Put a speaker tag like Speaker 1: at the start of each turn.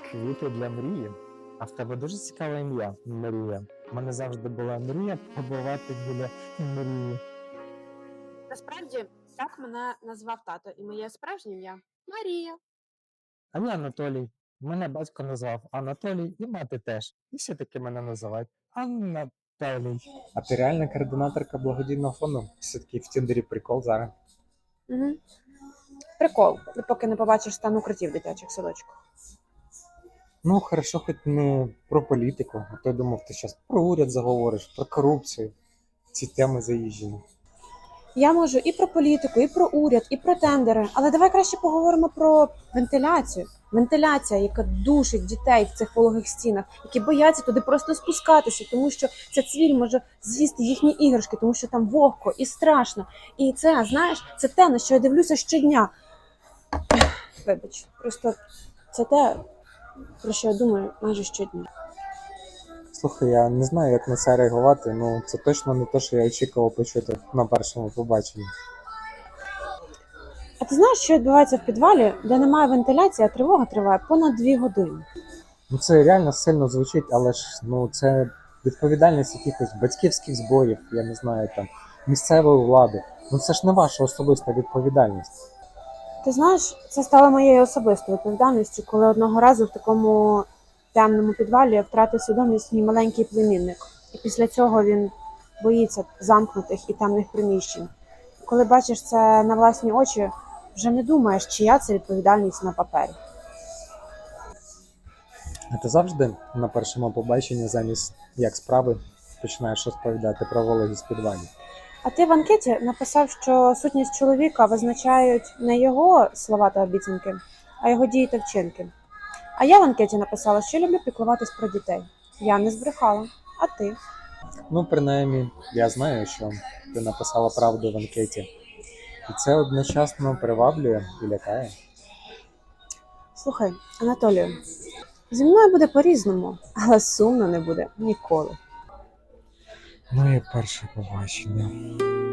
Speaker 1: Квіти для мрії. А в тебе дуже цікаве ім'я Мрія. У мене завжди була мрія побувати біля мрії.
Speaker 2: Насправді, так мене назвав тато, і моє справжнє ім'я Марія.
Speaker 1: А я Анатолій. Мене батько назвав Анатолій і мати теж. І всі таки мене називають Анатолій. А ти реальна координаторка благодійного фонду? Все-таки в Тіндері прикол зараз.
Speaker 2: Угу. Прикол, поки не побачиш стан укриттів в дитячих садочках.
Speaker 1: Ну, хорошо, хоч не про політику, а то я думав, ти зараз про уряд заговориш, про корупцію. Ці теми заїжджені.
Speaker 2: Я можу і про політику, і про уряд, і про тендери, але давай краще поговоримо про вентиляцію. Вентиляція, яка душить дітей в цих вологих стінах, які бояться туди просто спускатися, тому що ця цвіль може з'їсти їхні іграшки, тому що там вогко і страшно. І це, знаєш, це те, на що я дивлюся щодня. Вибач, просто це те, про що я думаю майже щодня.
Speaker 1: Слухай, я не знаю, як на це реагувати, ну це точно не те, що я очікував почути на першому побаченні.
Speaker 2: А ти знаєш, що відбувається в підвалі, де немає вентиляції, а тривога триває понад 2 години?
Speaker 1: Ну це реально сильно звучить, але ж ну це відповідальність якихось батьківських зборів, я не знаю, там, місцевої влади. Ну це ж не ваша особиста відповідальність.
Speaker 2: Ти знаєш, це стало моєю особистою відповідальністю, коли одного разу в такому темному підвалі я втратив свідомість мій маленький племінник. І після цього він боїться замкнутих і темних приміщень. Коли бачиш це на власні очі, вже не думаєш, чия це відповідальність на папері.
Speaker 1: А ти завжди на першому побаченні замість як справи починаєш розповідати про вологість підвалів.
Speaker 2: А ти в анкеті написав, що сутність чоловіка визначають не його слова та обіцянки, а його дії та вчинки. А я в анкеті написала, що люблю піклуватись про дітей. Я не збрехала. А ти?
Speaker 1: Ну, принаймні, я знаю, що ти написала правду в анкеті. І це одночасно приваблює і лякає.
Speaker 2: Слухай, Анатолію, зі мною буде по-різному, але сумно не буде ніколи.
Speaker 1: Моє перше побачення.